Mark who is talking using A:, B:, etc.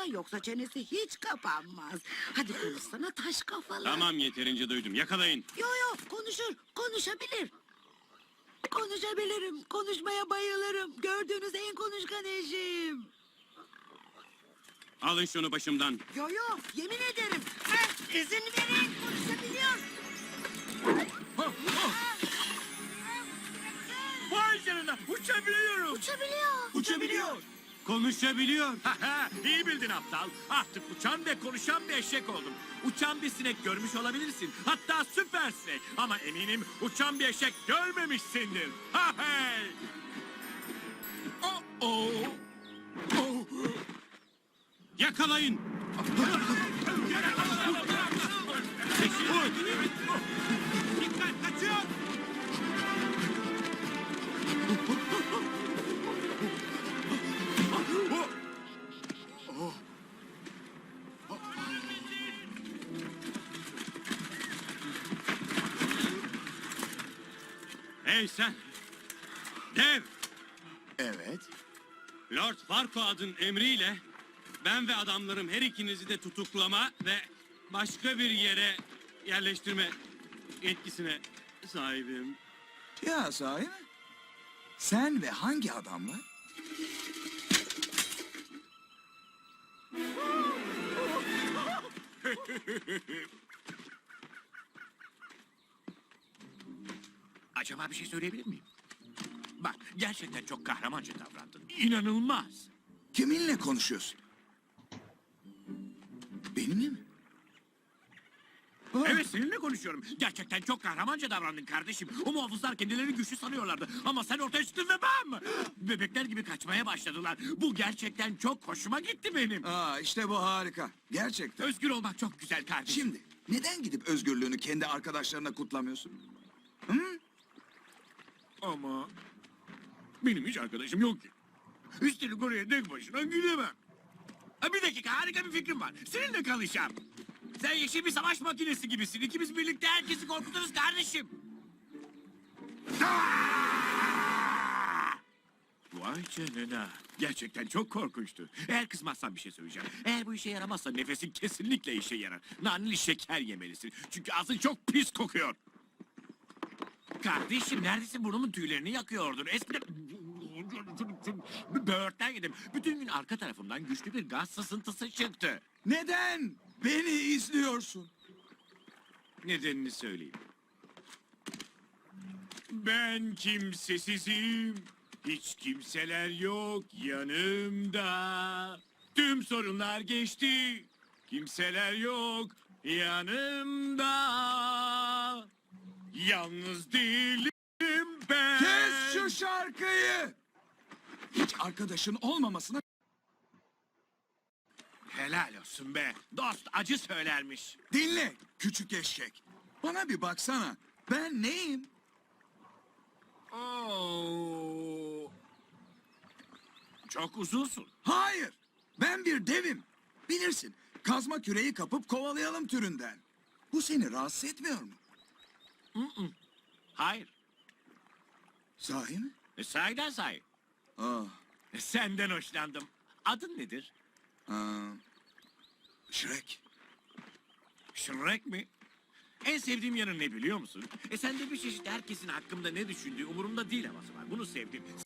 A: yoksa çenesi hiç kapanmaz. Hadi konuşsana taş kafalı.
B: Tamam, yeterince duydum. Yakalayın.
A: Yo konuşur, konuşabilir. Konuşabilirim, konuşmaya bayılırım. Gördüğünüz en konuşkan eşim.
B: Alın şunu başımdan.
A: Yo yemin ederim. İzin verin, konuşabiliyor.
C: Vay canına, uçabiliyorum.
A: Uçabiliyor.
B: Konuşabiliyor.
C: İyi bildin aptal. Artık uçan ve konuşan bir eşek oldum. Uçan bir sinek görmüş olabilirsin. Hatta süper sinek. Ama eminim uçan bir eşek görmemişsindir. Ha hey! Oh.
B: Yakalayın.
C: Dikkat, kaçıyor.
B: Hey sen. Dev.
D: Evet.
B: Lord Farquaad'ın emriyle ben ve adamlarım her ikinizi de tutuklama ve başka bir yere yerleştirme yetkisine sahibim.
D: Ya sahi mi? Sen ve hangi adamla?
C: Acaba bir şey söyleyebilir miyim? Bak, gerçekten çok kahramanca davrandın. İnanılmaz.
D: Kiminle konuşuyorsun? Benimle mi?
C: Evet, seninle konuşuyorum. Gerçekten çok kahramanca davrandın kardeşim. O muhafızlar kendilerini güçlü sanıyorlardı. Ama sen ortaya çıktın ve bam! Bebekler gibi kaçmaya başladılar. Bu gerçekten çok hoşuma gitti benim.
D: Aa, işte bu harika. Gerçekten.
C: Özgür olmak çok güzel kardeşim.
D: Şimdi neden gidip özgürlüğünü kendi arkadaşlarına kutlamıyorsun?
C: Ama benim hiç arkadaşım yok ki. Üstelik oraya tek başına gidemem. Ha, bir dakika, harika bir fikrim var. Seninle kalacağım. Sen yeşil bir savaş makinesi gibisin. İkimiz birlikte herkesi korkuturuz kardeşim. Vay canına. Gerçekten çok korkunçtu. Eğer kızmazsan bir şey söyleyeceğim. Eğer bu işe yaramazsa nefesin kesinlikle işe yarar. Naneli şeker yemelisin. Çünkü ağzın çok pis kokuyor. Kardeşim, neredesin? Burnumun tüylerini yakıyordun. Eskiden böğürtlen yedim. Bütün gün arka tarafımdan güçlü bir gaz sızıntısı çıktı.
D: Neden beni izliyorsun?
C: Nedenini söyleyeyim. Ben kimsesizim. Hiç kimseler yok yanımda. Tüm sorunlar geçti. Kimseler yok yanımda. Yalnız değilim ben.
D: Kes şu şarkıyı! Hiç arkadaşın olmamasına...
C: Helal olsun be. Dost acı söylermiş.
D: Dinle küçük eşek. Bana bir baksana. Ben neyim?
C: Oo. Çok uzunsun.
D: Hayır. Ben bir devim. Bilirsin. Kazma küreği kapıp kovalayalım türünden. Bu seni rahatsız etmiyor mu?
C: Hayır.
D: Sahi mi?
C: Sahiden sahi.
D: Ah.
C: Senden hoşlandım. Adın nedir?
D: Shrek.
C: Shrek mi? En sevdiğim yanı ne biliyor musun? Sende bir çeşit herkesin hakkımda ne düşündüğü umurumda değil havası var. Bunu sevdim.